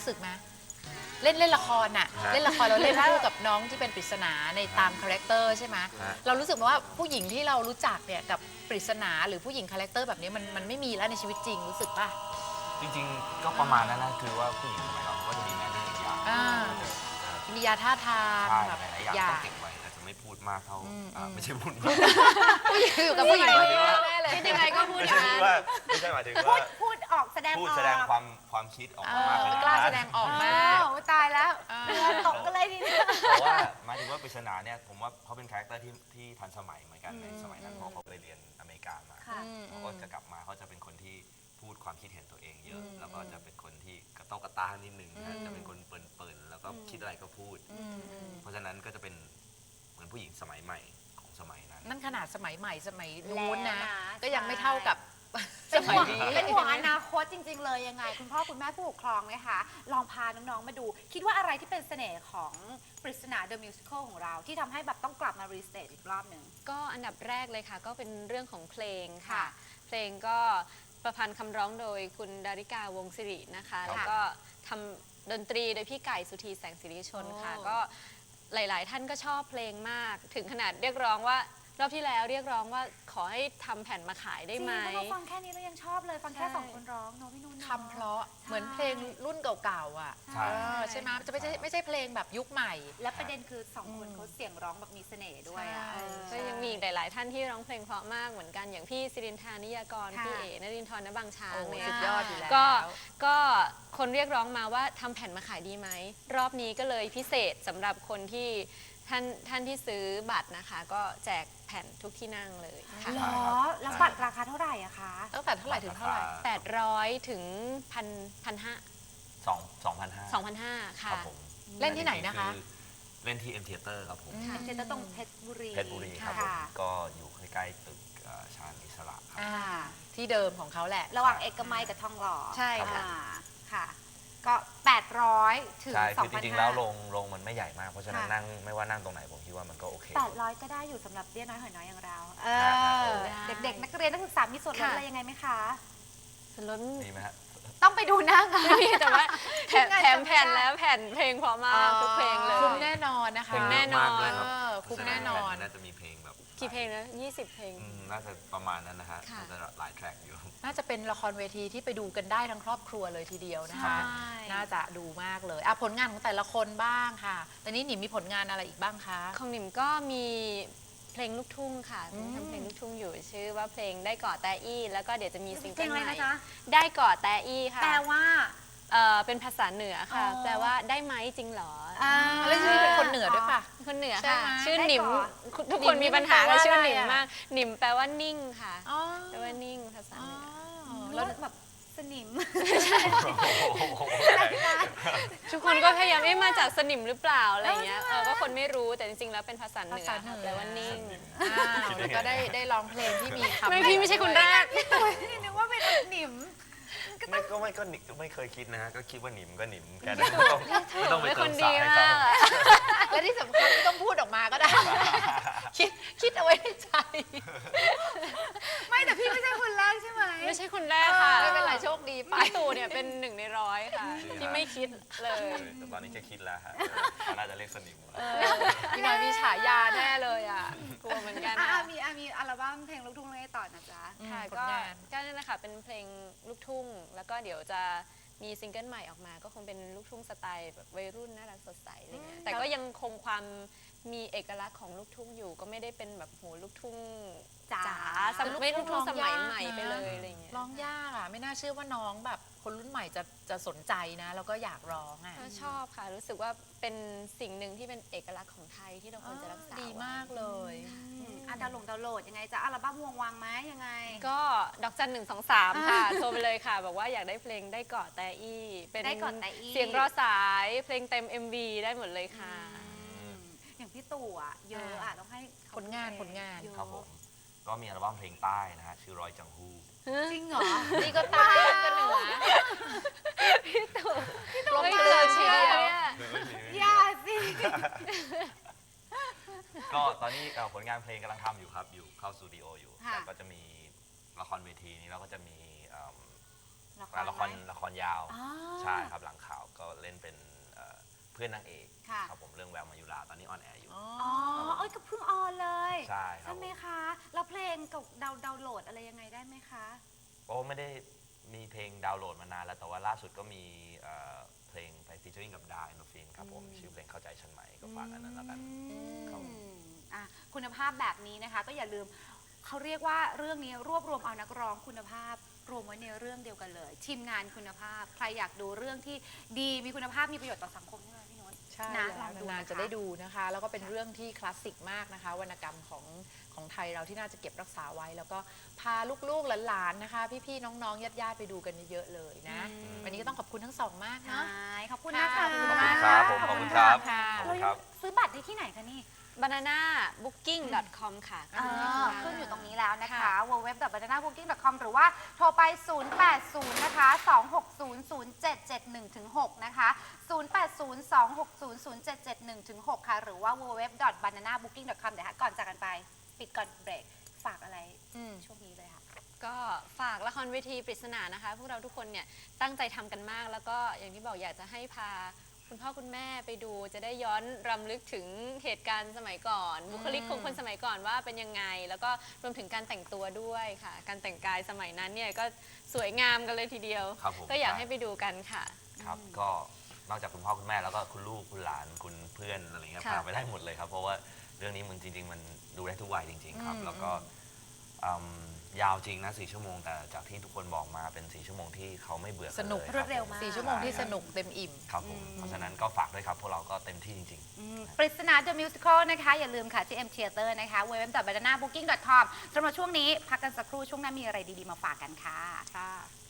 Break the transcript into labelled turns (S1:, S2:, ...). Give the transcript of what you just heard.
S1: รู้สึกไหมเล่นละครน่ะเล่นละครเราเล่นคู่กับน้องที่เป็นปริศนาในตามคาแรคเตอร์ใช่ไหมเรารู้สึกว่าผู้หญิงที่เรารู้จักเนี่ยกับปริศนาหรือผู้หญิงคาแรคเตอร์แบบนี้มันไม่มีแล้วในชีวิตจริงรู้สึกป่ะ
S2: จริงๆก็ประมาณนั้นนะคือว่าผู้หญิงสมัยเราก็จะมีแมนเนอร์อีกอย่าง
S1: มียาท่าทางแบบ
S2: หลายอย่างต้องเก็บไว้แต่จะไม่พูดมากเท่าไม่ใช่พูดมาก
S1: ผู้หญิงอยู่กับผู้หญิงคนเดียวแน่เลย
S3: ยังไงก็พูด
S2: ไม่ใช่ว่าไม่ใช่หมายถึงว่า
S3: พูดออกแสดง
S2: ความคิดออกมามาก
S1: กล้าแสดงออกมาก
S3: ตายแล้วตกกันเลยทีนี้
S2: เพราะว่าหมายถึงว่าปริศนาเนี่ยผมว่าเขาเป็นคาแรคเตอร์ที่ทันสมัยเหมือนกันในสมัยนั้นเพราะเขาไปเรียนอเมริกามาเขาก็จะกลับมาเขาจะเป็นคนที่พูดความคิดเห็นตัวเองเยอะแล้วก็จะเป็นคนที่กระโต้กระต้านนิดนึงจะเป็นคนเปิ่นๆแล้วก็คิดอะไรก็พูดเพราะฉะนั้นก็จะเป็นเหมือนผู้หญิงสมัยใหม่ของสมัยนั้น
S1: นั่นขนาดสมัยใหม่สมัยนู้นนะก็ยังไม่เท่ากับสมัยนี้
S3: เป็นห่วงอนาคตจริงๆเลยยังไงคุณพ่อคุณแม่ผู้ปกครองไหมคะลองพาน้องๆมาดูคิดว่าอะไรที่เป็นเสน่ห์ของปริศนา The Musical ของเราที่ทำให้แบบต้องกลับมารีสเตทอีกรอบหนึ่ง
S4: ก็อันดับแรกเลยค่ะก็เป็นเรื่องของเพลงค่ะเพลงก็ประพันธ์คำร้องโดยคุณดาริกาวงศิรินะคะแล้วก็ทำดนตรีโดยพี่ไก่สุธีแสงสิริชนค่ะก็หลายๆท่านก็ชอบเพลงมากถึงขนาดเรียกร้องว่ารอบที่แล้วเรียกร้องว่าขอให้ทำแผ่นมาขายได้ไหม
S3: จริงเราฟังแค่นี้เรายังชอบเลยฟังแค่2 คนร้องเนาะพี่นุ่น
S1: คำเพราะเหมือนเพลงรุ่นเก่าๆอ่ะใช่ไหมจะไม่ใช่เพลงแบบยุคใหม่
S3: และประเด็นคือ2 คนเขาเสียงร้องแบบมีเสน่ห์ด้วยอ่ะ
S4: ก็ยังมีหลายๆท่านที่ร้องเพลงเพราะมากเหมือนกันอย่างพี่สิรินทานิยากรพี่เอ๋นรินทร์ณบางช้างเนี่ย
S1: สุดยอดอยู่แล้ว
S4: ก็คนเรียกร้องมาว่าทำแผ่นมาขายดีไหมรอบนี้ก็เลยพิเศษสำหรับคนที่ท่านที่ซื้อบัตรนะคะก็แจกแผ่นทุกที่นั่งเลยค่ะ
S3: หรอแล้วบัตรราคาเท่าไหร่อะคะ
S1: ตั้งแต่เท่าไหร่ถึงเท่าไหร่
S4: 800ถึง2,500 ค่ะ
S1: เล่นที่ไหนนะคะ
S2: เล่นที่ M Theater ครับผม
S3: เจตตรงเพชรบุรี
S2: ครับผมก็อยู่ใกล้ๆตึกชาญอิสระครับ
S1: ที่เดิมของเขาแหละ
S3: ระหว่างเอกมัยกับทองหล่อ
S1: ใช่ค่ะ
S3: ค่ะก็800ถึง
S2: 2,500 ใช่คือจริงๆแล้วโรงมันไม่ใหญ่มากเพราะฉะนั้นนั่งไม่ว่านั่งตรงไหนผมคิดว่ามันก็โอเค
S3: 800ก็ได้อยู่สำหรับเบี้ยน้อยหอยน้อยอย่างเราเด็กๆนักเรียนนักศึกษามีส่วนลดอะไรยังไงไหมคะ
S4: ส่วนลด
S2: มีไหมฮะ
S3: ต้องไปดูหน้างาน
S4: แต่ว่าแถมแผ่นแล้วแผ่นเพลงพอมากทุกเพลงเลย
S1: คุ้มแน่นอนนะคะ
S4: คุ้มแน่นอน
S1: คุ้มแน่นอน
S2: น่าจะมีเพลงแบบ
S4: กี่เพลงนะ20 เพลง
S2: น่าจะประมาณนั้นนะฮะน่าจะหลายแทร็กอยู่
S1: น่าจะเป็นละครเวทีที่ไปดูกันได้ทั้งครอบครัวเลยทีเดียวนะคะน่าจะดูมากเลยผลงานของแต่ละคนบ้างค่ะแต่นี้หนิมมีผลงานอะไรอีกบ้างคะ
S4: ของหนิมก็มีเพลงลูกทุ่งค่ะทำเพลงลูกทุ่งอยู่ชื่อว่าเพลงได้เกาะแตอี้แล้วก็เดี๋ยวจะมีซิงเกิลใหม่ได้เกาะแตอี้ค่ะ
S3: แปลว่า
S4: เป็นภาษาเหนือค่ะแปลว่าได้ไหมจริงเหรอ
S1: แล้วชื่อเป็นคนเหนือด้วยป่ะ
S4: คนเหนือค่ะชื่อหนิมทุกคนมีปัญหากับชื่อหนิมมากหนิมแปลว่านิ่งค่ะแปลว่านิ่งภาษาเหนือ
S3: แล้วแบบสนิม
S4: ทุกคนก็พยายามมาจากสนิมหรือเปล่าอะไรเงี้ยก็คนไม่รู้แต่จริงๆแล้วเป็นภาษาเหนือแปลว่านิ่ง
S1: แล้วก็ได้ร้องเพลงที่มีคำ
S4: ไม่พี่ไม่ใช่คนแรก
S3: นึกว่าเป็นหนิม
S2: ไม่เคยคิดนะฮะก็คิดว่าหนิมก็หนิมแค่นั้นไม่ต้องไปเติมสายให้เขา
S1: และที่สำคัญไม่ต้องพูดออกมาก็ได้คิดเอาไว้ในใจ
S3: ไม่แต่พี่ไม่ใช่คนแรกใช่ไหม
S4: ไม่ใช่คนแรกค่ะ
S1: ไม่เป็นไรโชคดีไป
S4: ตู่เนี่ยเป็น1 ใน 100ค่ะที่ไม่คิดเลย
S2: แต่ตอนนี้จะคิดแล้วฮะน่าจะเรียกสนิม
S1: พี่น้อยมีฉายาแน่เลย
S4: กลัวเหมือนกัน
S3: มีอัลบั้มเพลงลูกทุ่งอะไรต่อนะจ๊ะ
S4: ค่ะก็นั่นนะคะเป็นเพลงลูกทุ่งแล้วก็เดี๋ยวจะมีซิงเกิลใหม่ออกมาก็คงเป็นลูกทุ่งสไตล์แบบวัยรุ่นน่ารักสดใสอะไรเงี้ยแต่ก็ยังคงความมีเอกลักษณ์ของลูกทุ่งอยู่ก็ไม่ได้เป็นแบบโหลูกทุ่งจ๋าไม่ลูกทุ่งสมัยใหม่ไปเลยอะไรเงี้ย
S1: ร้องยากไม่น่าเชื่อว่าน้องแบบคนรุ่นใหม่จะสนใจนะแล้วก็อยากร้อง
S4: ชอบค่ะรู้สึกว่าเป็นสิ่งหนึ่งที่เป็นเอกลักษณ์ของไทยที่เราควรจะรักษา
S1: ดีมากเลย
S3: ดาวน์โหลดยังไงจะอัลบั้มวางไหมยังไง
S4: ก็ดอกจัน123ค่ะโทรไปเลยค่ะบอกว่าอยากได้เพลงได้เกาะแตอี้เป็นเสียงรอสายเพลงเต็ม MV ได้หมดเลยค่ะ
S3: อย่างพี่ตู่เยอะต้องให้
S1: ผลงาน
S2: ครับผมก็มีอัลบั้มเพลงใต้นะฮะชื่อรอยจังฮู้
S3: จริงเหรอ
S1: นี่ก็ใต้ก็เหนือ
S4: พี่ตู่
S1: ไม่เลยเชียร์
S3: อย่าสิ
S2: ก็ตอนนี้ผลงานเพลงกำลังทำอยู่ครับอยู่เข้าสตูดิโออยู่แต่ก็จะมีละครเวทีนี้เราก็จะมีละครยาวใช่ครับหลังข่าวก็เพื่อนนางเอก
S3: ค่ะ
S2: ครับผมเรื่องแววมายุราตอนนี้ออนแอร์อยู่
S3: อ๋อเอ้ยก็เพิ่งออนเลย
S2: ใช่ครับ
S3: ไหมคะแล้วเพลงกับดาวน์โหลดอะไรยังไงได้ไหมคะ
S2: โอ้ไม่ได้มีเพลงดาวน์โหลดมานานแล้วแต่ว่าล่าสุดก็มีเพลงไปฟีเจอริ่งกับดาอินโดฟินครับผมชื่อเพลงเข้าใจฉันไหมก็ฝากอันนั้นแล้วกันครับ
S3: อ่ะคุณภาพแบบนี้นะคะ ก็อย่าลืมเขาเรียกว่าเรื่องนี้รวบรวมเอานักร้องคุณภาพรวมไว้ในเรื่องเดียวกันเลย ทีมงานคุณภาพ ใครอยากดูเรื่องที่ดีมีคุณภาพมีประโยชน์ต่อสังคมใช่ไหมพี่นุช
S1: ใช่
S3: นะ
S1: แล้ว
S3: ลองดู
S1: นาน
S3: นะคะ
S1: ๆจะได้ดูนะคะ แล้วก็เป็นเรื่องที่คลาสสิกมากนะคะ วรรณกรรมของไทยเราที่น่าจะเก็บรักษาไว้ แล้วก็พาลูกๆหลานๆนะคะ พี่ๆน้องๆญาติๆไปดูกันเยอะๆเลยนะ วันนี้ก็ต้องขอบคุณทั้งสองมาก
S3: ใช่
S1: เนาะ
S3: ขอบคุณนะคะ
S1: ขอบคุณ
S2: ขอบ
S1: มา
S2: คุ
S1: ก
S2: ณครับผมขอบคุณครับ
S1: ค่ะ
S2: ขอบ
S3: เรา
S2: คุณ
S3: ยั
S2: ครั
S3: ง
S2: บ
S3: ซื้อบัตรได้ที่ไหนคะนี่
S4: bananabooking.com ค่ะ
S3: ขึ้นอยู่ตรงนี้แล้วนะคะ www.bananabooking.com หรือว่าโทรไป 080 นะคะ 2600771ถึง6นะคะ 08026000771ถึง6ค่ะ หรือว่า www.bananabooking.com เดี๋ยวก่อนจากกันไป ปิดก่อนเบรก ฝากอะไรช่วงนี้เลยค่ะ
S4: ก็ฝากละครเวทีปริศนานะคะ พวกเราทุกคนเนี่ยตั้งใจทำกันมาก แล้วก็อย่างที่บอกอยากจะให้พาคุณพ่อคุณแม่ไปดู จะได้ย้อนรำลึกถึงเหตุการณ์สมัยก่อน บุคลิกของคนสมัยก่อนว่าเป็นยังไง แล้วก็รวมถึงการแต่งตัวด้วยค่ะ การแต่งกายสมัยนั้นเนี่ยก็สวยงามกันเลยทีเดียว
S2: ครับผม
S4: ก็อยากให้ไปดูกันค่ะ
S2: ครับก็นอกจากคุณพ่อคุณแม่แล้วก็คุณลูกคุณหลานคุณเพื่อนอะไรเงี้ย
S4: ค่ะ
S2: พาไปได้หมดเลยครับ เพราะว่าเรื่องนี้มันจริง ๆ มันดูได้ทุกวัยจริง ๆ ครับ แล้วก็ยาวจริงนะ4 ชั่วโมงแต่จากที่ทุกคนบอกมาเป็น4 ชั่วโมงที่เขาไม่เบื่อ
S1: สนุก
S2: ลยคบ
S3: รวดเร็วมาก
S1: 4 ชั่วโมงที่สนุกเต็มอิ่ม
S2: ครับผมเพราะฉะนั้นก็ฝากด้วยครับพวกเราก็เต็มที่จริง ๆ
S3: ปริศนา The Musical นะคะ อย่าลืมค่ะที่ M Theater นะคะ www.bananabooking.com สำหรับช่วงนี้พักกันสักครู่ช่วงหน้ามีอะไรดีๆมาฝากกันค่ะ